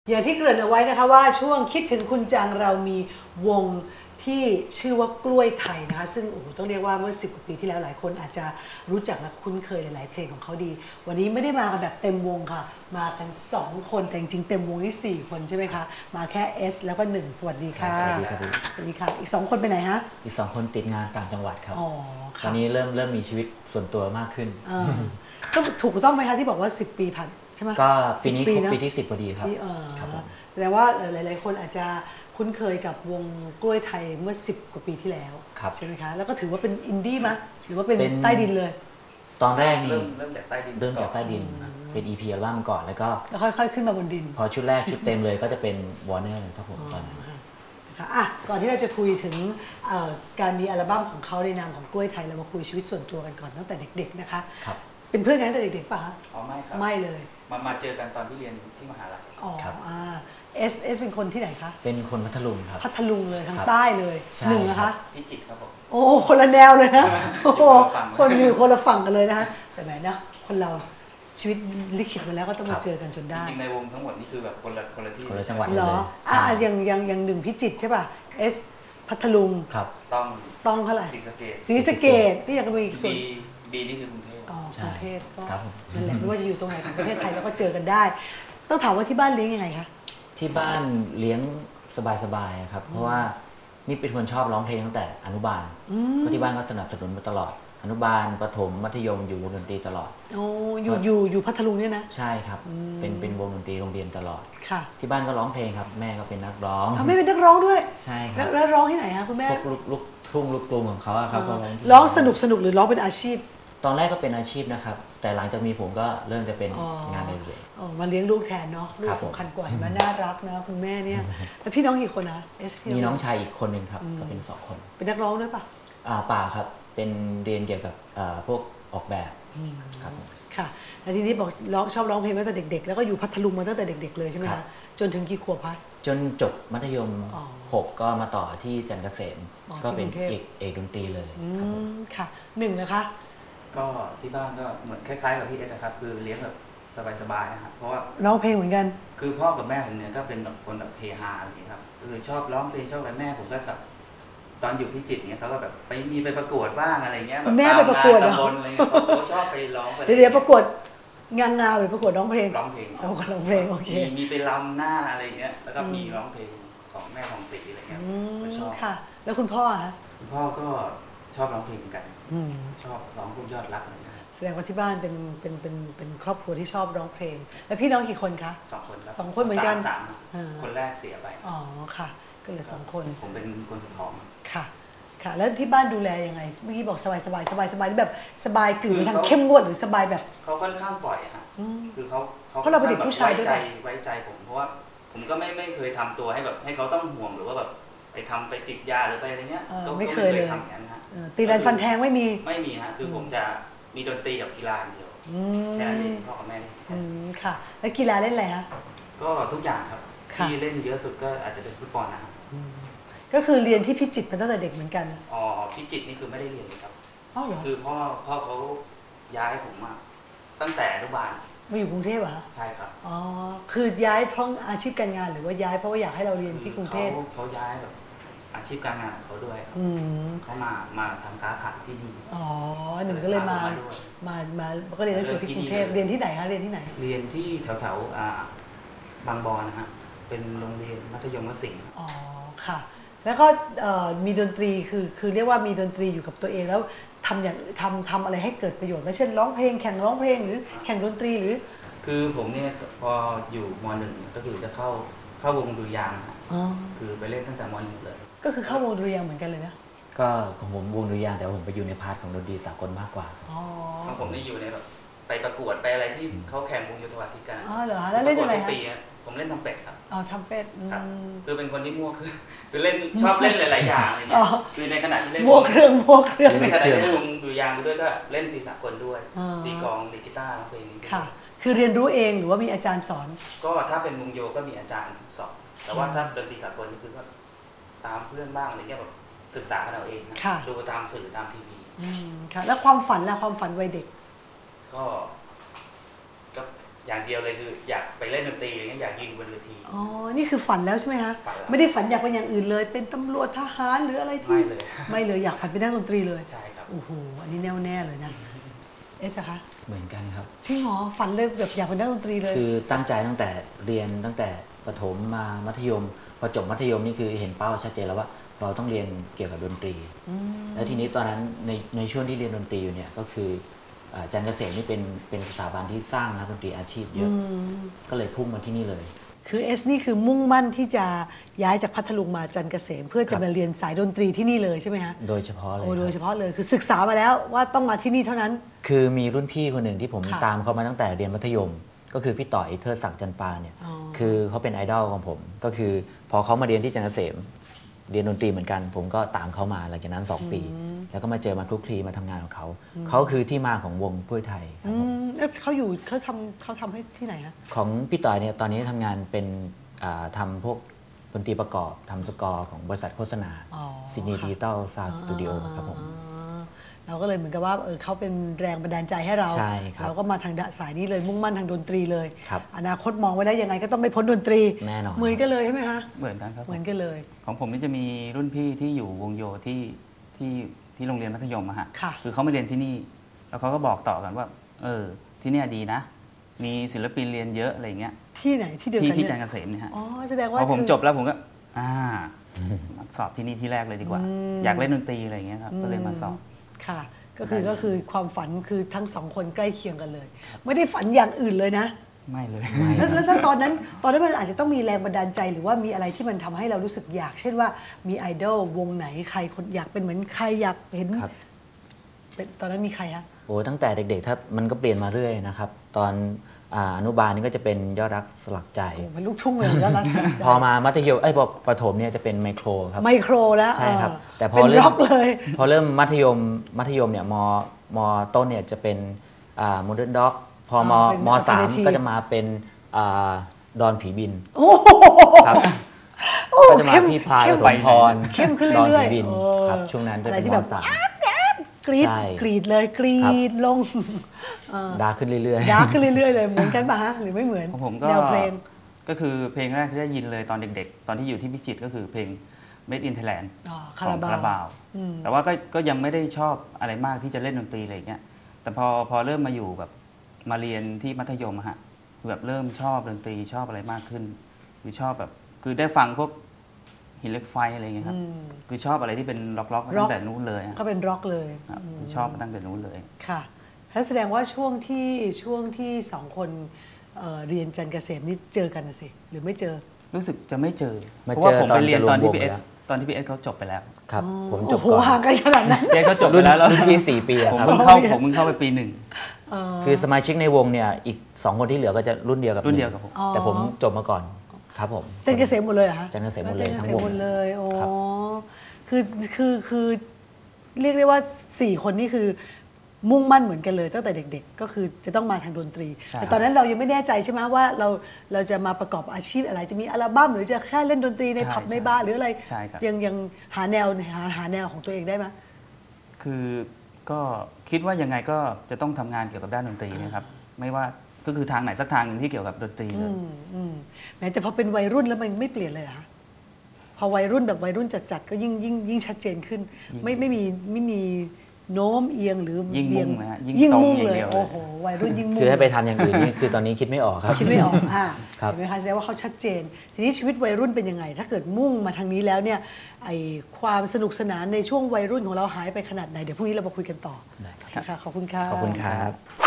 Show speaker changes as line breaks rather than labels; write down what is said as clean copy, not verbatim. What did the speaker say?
อย่างที่เกริ่นเอาไว้นะคะว่าช่วงคิดถึงคุณจังเรามีวงที่ชื่อว่ากล้วยไทยนะคะซึ่งโอ้โหต้องเรียกว่าเมื่อ10 กว่าปีที่แล้วหลายคนอาจจะรู้จักและคุ้นเคยหลายๆเพลงของเขาดีวันนี้ไม่ได้มากันแบบเต็มวงค่ะมากัน2 คนแต่จริงๆเต็มวงนี่4 คนใช่ไหมคะมาแค่ S แล้วก็1สวัสดีค่ะ
สวัสดีครับ
สวัสดีค่ะอีก2 คนไปไหนฮะ
อีก2 คนติดงานต่างจังหวัดครับ
อ๋อ
ตอนนี้เริ่มมีชีวิตส่วนตัวมากขึ้น
ต้องถูกต้องไหมคะที่บอกว่า10 ปีผ่านใช่ไหม
ก็ปีนี้ครบปีที่10พอดีครับ
แสดงว่าหลายๆคนอาจจะคุ้นเคยกับวงกล้วยไทยเมื่อ10 กว่าปีที่แล้วใช่ไหมคะแล้วก็ถือว่าเป็นอินดี้มั้ยหรือว่าเป็นใต้ดินเลย
ตอนแรกนี่
เริ่มจากใต้ดิน
เป็น EP อัลบั้มก่อนแล้วก็
ค่อยๆขึ้นมาบนดิน
พอชุดแรกชุดเต็มเลยก็จะเป็น Warner ครับผมตอนนั้น
ก่อนที่เราจะคุยถึงการมีอัลบั้มของเขาในนามของกล้วยไทยเรามาคุยชีวิตส่วนตัวกันก่อนตั้งแต่เด็กๆนะคะเป็นเพื่อนกันตั้งแต่เด็กๆป่ะคะ
อ๋อไม่ครับ
ไม่เลย
มาเจอกันตอนที่เรียนที่มหาลัย
อ๋อเอสเป็นคนที่ไหนคะ
เป็นคนพัทลุงครับ
พัทลุงเลยทางใต้เลยหนึ่งนะคะ
พิจิตรครับผม
โอ้คนละแนวเลยนะโอ้คนอยู่คนละฝั่งกันเลยนะคะแต่แหมนะคนเราชีวิตลิขิตมาแล้วก็ต้องมาเจอกันจนได้
จริงในวงทั้งหมดนี่คือแบบคนละที่
คนละจังหวัด
เหรออย่างหนึ่งพิจิตรใช่ป่ะเอสพัทลุง
ครับ
ต้องเท่าไหร่ศรีสะเกษพี่อยากจะมีส่วน
บีนี่คือกรุงเทพ
กรุงเทพก็นั่นแหละไม่ว่าจะอยู่ตรงไหนของประเทศไทยแล้วก็เจอกันได้ต้องถามว่าที่บ้านเลี้ยงยังไงคะ
ที่บ้านเลี้ยงสบายๆครับเพราะว่านี่เป็นคนชอบร้องเพลงตั้งแต่อนุบาลเพราะที่บ้านก็สนับสนุนมาตลอดอนุบาลประถมมัธยมอยู่วงดนตรีตลอด
โอ้อยู่พัทลุงเนี่ยนะ
ใช่ครับเป็นวงดนตรีโรงเรียนตลอด
ค่ะ
ที่บ้านก็ร้องเพลงครับแม่ก็เป็นนักร้อง
ไม่เป็นนักร้องด้วย
ใช่ครับ
แล้วร้องที่ไหนคะคุณแม่
พวกลูกทุ่งลูกกรุงของเขาครับ
ร้องสนุกหรือร้องเป็นอาชีพ
ตอนแรกก็เป็นอาชีพนะครับแต่หลังจากมีผมก็เริ่มจะเป็นงานเรื่อย
ๆมาเลี้ยงลูกแทนเนาะลูกสำคัญกว่ามันน่ารักนะคุณแม่เนี่ยแล้วพี่น้องกี่คนนะ
มีน้องชายอีกคนนึงครับก็เป็น2 คน
เป็นนักร้องด้วยป่ะ
ป่าครับเป็นเรียนเกี่ยวกับพวกออกแบบครับ
ค่ะแล้วทีนี้บอกชอบร้องเพลงตั้งแต่เด็กๆแล้วก็อยู่พัทลุงมาตั้งแต่เด็กๆเลยใช่ไหมคะจนถึงกี่ขวบพัด
จนจบมัธยม6ก็มาต่อที่จันทร์เกษมก็เป็นเอกดนตรีเลย
ค่ะ1นะคะ
ก็ที่บ้านก็เหมือนคล้ายๆกับพี่เอสนะครับคือเลี้ยงแบบสบายๆนะครับเพราะว่า
ร้องเพลงเหมือนกัน
คือพ่อกับแม่ผมเนี่ยก็เป็นแบบคนแบบเฮฮาอย่างนี้ครับคือชอบร้องเพลงชอบอะไรแม่ผมก็แบบตอนอยู่พิจิตรเนี่ยเขาก็แบบไปประกวดบ้างอะไรเงี้ย
แบบแม่ไปประกวดเหรอ
อะไรเงี้ยเขาชอบไปร้อง
เดี๋ยวประกวดงานหรือประกวดร้องเพลง
ร้องเพลง
โอเค
มีไปรำหน้าอะไรเงี้ยแล้วก็มีร้องเพลงของแม่ของศรีอะไรเงี้ย
ชอบค่ะแล้วคุณพ่อฮะ
คุณพ่อก็ชอบร้องเพลงเหมือนกันชอบร้องพวกยอดรักอะไร
แสดงว่าที่บ้านเป็นครอบครัวที่ชอบร้องเพลงแล้วพี่น้องกี่คนคะ
2 คนครับ
2 คนเหมือนกัน
คนแรกเสียไป
อ๋อค่ะก็เหลือ2 คน
ผมเป็นคนสุดท้อง
ค่ะแล้วที่บ้านดูแลยังไงเมื่อกี้บอกสบายแบบสบายกึ่งไปทางเข้มงวดหรือสบายแบบ
เขาค่อนข้างปล่อยฮะคือเขา
เพราะเราเป็นเด็กผู้ชายด้วย
ไว้ใจผมเพราะว่าผมก็ไม่เคยทำตัวให้แบบให้เขาต้องห่วงหรือว่าแบบไปติดยาหรือไปอะไรเงี้ย
ก็ไม่เคยเลย
ทำอย่างนั้นฮะ
ตีรันฟันแทงไม่มี
ฮะคือผมจะมีดนตรีกับกีฬาเดียวแค่นั้นเองพ่อกับแม่
ค่ะแล้วกีฬาเล่นอะไรฮะ
ก็ทุกอย่างครับที่เล่นเยอะสุดก็อาจจะเป็นฟุตบอลนะครับ
ก็คือเรียนที่พิจิตรมาตั้งแต่เด็กเหมือนกัน
อ๋อพิจิตรนี่คือไม่ได้เรียนเลยครับ
อ๋อเหรอ
คือพ่อเขาย้ายผมมาตั้งแต่อนุบาล
มาอยู่กรุงเทพเหรอ
ใช่ครับ
อ๋อคือย้ายเพราะอาชีพการงานหรือว่าย้ายเพราะว่าอยากให้เราเรียนที่กรุงเทพ
เขาย้ายแบบอาชีพการงานของเขาด้วยครับเขามาทำค้าขายที่นี่
อ๋อหนึ่งก็เลยมาก็เรียนหนังสือที่กรุงเทพเรียนที่ไหนคะเรียนที่ไหน
เรียนที่แถวบางบอนนะฮะเป็นโรงเรียนมัธยมศิลป์
อ๋อค่ะแล้วก็มีดนตรีคือเรียกว่ามีดนตรีอยู่กับตัวเองแล้วทำอะไรให้เกิดประโยชน์ไม่เช่นร้องเพลงแข่งร้องเพลงหรือแข่งดนตรีหรือ
คือผมเนี่ยพออยู่ม.1 ก็คือจะเข้าวงดุริยางค์คือไปเล่นตั้งแต่ม.1 เลย
ก็คือเข้าวงดุริยางค์เหมือนกันเลยนะ
ก็ของผมวงดุริยางค์แต่ผมไปอยู่ในพาร์ทของดนตรีสากลมากกว่า
ของผมนี่อยู่ในแบบไปประกวดไปอะไรที่เขาแข่งวงโยธวาทิการ
อ๋อเหรอแล้วเล่นอะไร
ฮะผมเล่นทำเป็ดครับ
อ๋อทำเป็ด
คือเป็นคนที่มั่วคือเล่นชอบเล่นหลายๆอย่างอะไรเงี้ยคือในขณะที่เล่น
มั่วเครื่อง
ในขณะที่เล่นวงดุริยางค์ด้วยก็เล่นดนตรีสากลด้วยตีกลองเล่นกีตาร์ร้องเพลง
ค่ะคือเรียนรู้เองหรือว่ามีอาจารย์สอน
ก็ถ้าเป็นวงโยก็มีอาจารย์สอนแต่ว่าถ้าดนตรีสากลนี่คือก็ตามเพื่อนบ้างอะไรเงี้ยแบบศึกษากันเอาเองดูตามสื่อตามทีวี
ค่ะแล้วความฝันล่ะความฝันวัยเด็ก
ก็อย่างเดียวเลยคืออยากไปเล่นดนตรีอะไรเงี้ยอยากยืนบนเวที
อ๋อนี่คือฝันแล้วใช่ไหมฮะ
ฝันแล้ว
ไม่ได้ฝันอยากเป็นอย่างอื่นเลย เป็นตำรวจทหารหรืออะไรที่
ไม่เลย
ไม่เลยอยากฝันเป็นนักดนตรีเลย
ใช่ครับ
โอ้โหอันนี้แน่วแน่เลยนะเอสอะคะ
เหมือนกันครับ
จริงเหรอฝันเลยแบบอยากเป็นนักดนตรีเลย
คือตั้งใจตั้งแต่เรียนตั้งแต่ประถมมามัธยมพอจบมัธยมนี่คือเห็นเป้าชัดเจนแล้วว่าเราต้องเรียนเกี่ยวกับดนตรี แล้วทีนี้ตอนนั้นในช่วงที่เรียนดนตรีอยู่เนี่ยก็คือจันทร์เกษมนี่เป็นสถาบันที่สร้างนักดนตรีอาชีพเยอะก็เลยพุ่งมาที่นี่เลย
คือเอสนี่คือมุ่งมั่นที่จะย้ายจากพัทลุงมาจันทร์เกษม เพื่อจะมาเรียนสายดนตรีที่นี่เลยใช่ไหมฮะ
โดยเฉพาะเลย
โอ้โดยเฉ
ครับ
พาะเลยคือศึกษามาแล้วว่าต้องมาที่นี่เท่านั้น
คือมีรุ่นพี่คนหนึ่งที่ผม
ค่ะ
ตามเขามาตั้งแต่เรียนมัธยม ก็คือพี่ต่อยเทิดศักดิ์จันปาเนี่ย
อ๋อ
คือเขาเป็นไอดอลของผม ก็คือพอเขามาเรียนที่จันทร์เกษม เรียนดนตรีเหมือนกัน ผมก็ตามเขามาหลังจากนั้น 2 ปี แล้วก็มาเจอมาคลุกคลีมาทำงานของเขาเขาคือที่มาของวงกล้วยไทยครับผม
แล้วเขาทำให้ที่ไหนฮะ
ของพี่ต่อยเนี่ยตอนนี้ทำงานเป็นทำพวกดนตรีประกอบทำสกอร์ของบริษัทโฆษณา
อ๋อ
ซิดนีย์
ค่ะ
ดิจิตอลซาวด์สตูดิโอครับผม
เราก็เลยเหมือนกับว่าเขาเป็นแรงบันดาลใจให้เรา
ใช่ครับ
เราก็มาทางสายนี้เลยมุ่งมั่นทางดนตรีเลย
ครับ
อนาคตมองไว้ได้ยังไงก็ต้องไม่พ้นดนตรี
แน่นอน
เหมือนกันเลยใช่ไหมฮะ
เหมือนกันครับ
เหมือนกันเลย
ของผมนี่จะมีรุ่นพี่ที่อยู่วงโยที่โรงเรียนมัธยมอะฮะ
ค่ะ
คือเขามาเรียนที่นี่ แล้วเขาก็บอกต่อกันว่า ที่เนี่ยดีนะ มีศิลปินเรียนเยอะอะไรเงี้ย
ที่ไหนที่เดียวกัน
ที่
เนี่
จันท
ย
ร์เกษมเนี่ยฮะ
อ๋อแสดง
พ
ว่า
อผม
คือ
จบแล้วผมก็มาสอบที่นี่ที่แรกเลยดีกว่า อยากเล่นดนตรีอะไรเงี้ยครับก็เลยมาสอบ
ค่ะก็คือความฝันคือทั้งสองคนใกล้เคียงกันเลย ไม่ได้ฝันอย่างอื่นเลยนะ
ไม่เลย
แล้วถ้าตอนนั้นมันอาจจะต้องมีแรงบันดาลใจหรือว่ามีอะไรที่มันทำให้เรารู้สึกอยาก เช่นว่ามีไอดอลวงไหนใครคนอยากเป็นเหมือนใครอยากเห็น
ครับ
เป็นตอนนั้นมีใครฮะ
โอ้ตั้งแต่เด็กๆถ้ามันก็เปลี่ยนมาเรื่อยนะครับ ตอนอนุบาลนี่ก็จะเป็นยอดรักสลักใจ
โอ้เป็นลูกทุ่งเลยแล้วรักสลักใจ
พอมามัธยมพอประถมเนี่ยจะเป็นไมโครครับ
ไมโครแล้ว
ใช่ครับ แต่พอ
เป็น
เริ่
ร็
ม
อกเลย
พอเริ่มมัธยมเนี่ยมต้นเนี่ยจะเป็นโมเดิร์นด็อกพอม
เป็น
มสาม
alternative
ก็จะมาเป็นดอนผีบิน
โอ้โห
ครับ
โอ้
ก็จะมา
เข้ม
พี่พลาย
เข้
ป
ม
ฐมพร
เข้มขึ้น
ดอน
เรื่อ
ผี
ย
บิน
ๆ
ครับช่วงนั้นจะ
อะไร
เป็น
ที่
ม
แบบ
สาม
กรีด
ใช่
กรีดเลยกรี
ครับ
ดลง
ดาร์กขึ้นเรื่อย
ดาร์กขึ้นเรื่อยๆเลยเหมือนกันป่ะฮะหรือไม่เหมือน
ของผมก็
แนวเพลง
ก็คือเพลงแรกที่ได้ยินเลยตอนเด็กๆ ตอนที่อยู่ที่พิจิตรก็คือเพลง Made in Thailand
อ๋อ
ข
คา
อ
ราง บา
คาว ราบาว
อืม
แต่ว่าก็ยังไม่ได้ชอบอะไรมากที่จะเล่นดนตรีอะไรอย่างเงี้ย แต่พอเริ่มมาอยู่แบบมาเรียนที่มัธยมอะฮะคือแบบเริ่มชอบดนตรีชอบอะไรมากขึ้นคือชอบแบบคือได้ฟังพวกหินเหล็กไฟอะไรอย่างเงี้ยครับ คือชอบอะไรที่เป็นล็อกๆมาตั้งแต่นู้นเลยอะ
ก็เป็นร็อกเลย
ครับคือชอบมาตั้งแต่นู้นเลย
ค่ะแล้วแสดงว่าช่วงที่สองคนเรียนจันทร์เกษมนี่เจอกันนะสิหรือไม่เจอ
รู้สึกจะไม่เจอ
มา
เพราะว่า
เจอ
ผมไปเรียน
ต
ต
อ
อน น
จะรวม
ที่
วง
พี่เอส
แล้ว
ตอนที่พี่เอสเขาจบไปแล้ว
ๆ ครับผมจ
โอ้
บ
โห
ก่อน
ห่างกันขนาดนั้น
พี่เอสเขาจบไป
รุ่น
แล้วแล้ว
รุ่นพี่4 ปีอะ
ผม
ครับ
เพิ่งเข้าไปปีหนึ่ง
คือสมาชิกในวงเนี่ยอีก 2 คนที่เหลือก็จะรุ่นเดียวกับ
รุ่นเดียวกับผม
แต่ผมจบมาก่อนครับผม
จันทร์เกษมหมดเลยเหรอฮะ
จันทร์เกษมหมดเลย
จันทร์
ทั้
เก
ง
ษ
ว
ม
ง
หมดเลยอ๋อ
ครับ
คือเรียกได้ว่า4คนนี่คือมุ่งมั่นเหมือนกันเลยตั้งแต่เด็ก ๆ ก็คือจะต้องมาทางดนตรี
ใช่
แต่ตอนนั้นเรายังไม่แน่ใจใช่ไหมว่าเราจะมาประกอบอาชีพอะไรจะมีอัลบั้มหรือจะแค่เล่นดนตรีในผับในบาร์หรืออะไร
ใช่ครับ
ยังหาแนวของตัวเองได้ไหม
คือก็คิดว่ายังไงก็จะต้องทำงานเกี่ยวกับด้านดนตรีนะครับ ไม่ว่าก็คือทางไหนสักทางหนึ่งที่เกี่ยวกับดนตรีเลย
แม้แต่พอเป็นวัยรุ่นแล้วมันไม่เปลี่ยนเลยเหรอคะพอวัยรุ่นแบบวัยรุ่นจัดๆก็ยิ่งชัดเจนขึ้น ไม่มีโน้มเอียงหรือ
ยิ่ง
เบี
มุ่งเลยฮะยิ่ง
ยิ่ง
ตรง
มุ่ง
อย่าง
เลย
เดียวเลย
โอ้โหวัยรุ่นยิ่งมุ่ง
คือให้ไปทำอย่างอื่นนี่คือตอนนี้คิดไม่ออกครับ
คิดไม่ออก
ครับ
เห็นไหมคะแสดงว่าเขาชัดเจน ทีนี้ชีวิตวัยรุ่นเป็นยังไง ถ้าเกิดมุ่งมาทางนี้แล้วเนี่ยไอความสนุกสนานในช่วงวัยรุ่นของเราหายไปขนาดไหนเดี๋ยวพรุ่งนี้เรามาคุยกันต่อ
ได้ครับ
ค่ะขอบคุณค่ะ
ขอบคุณครับ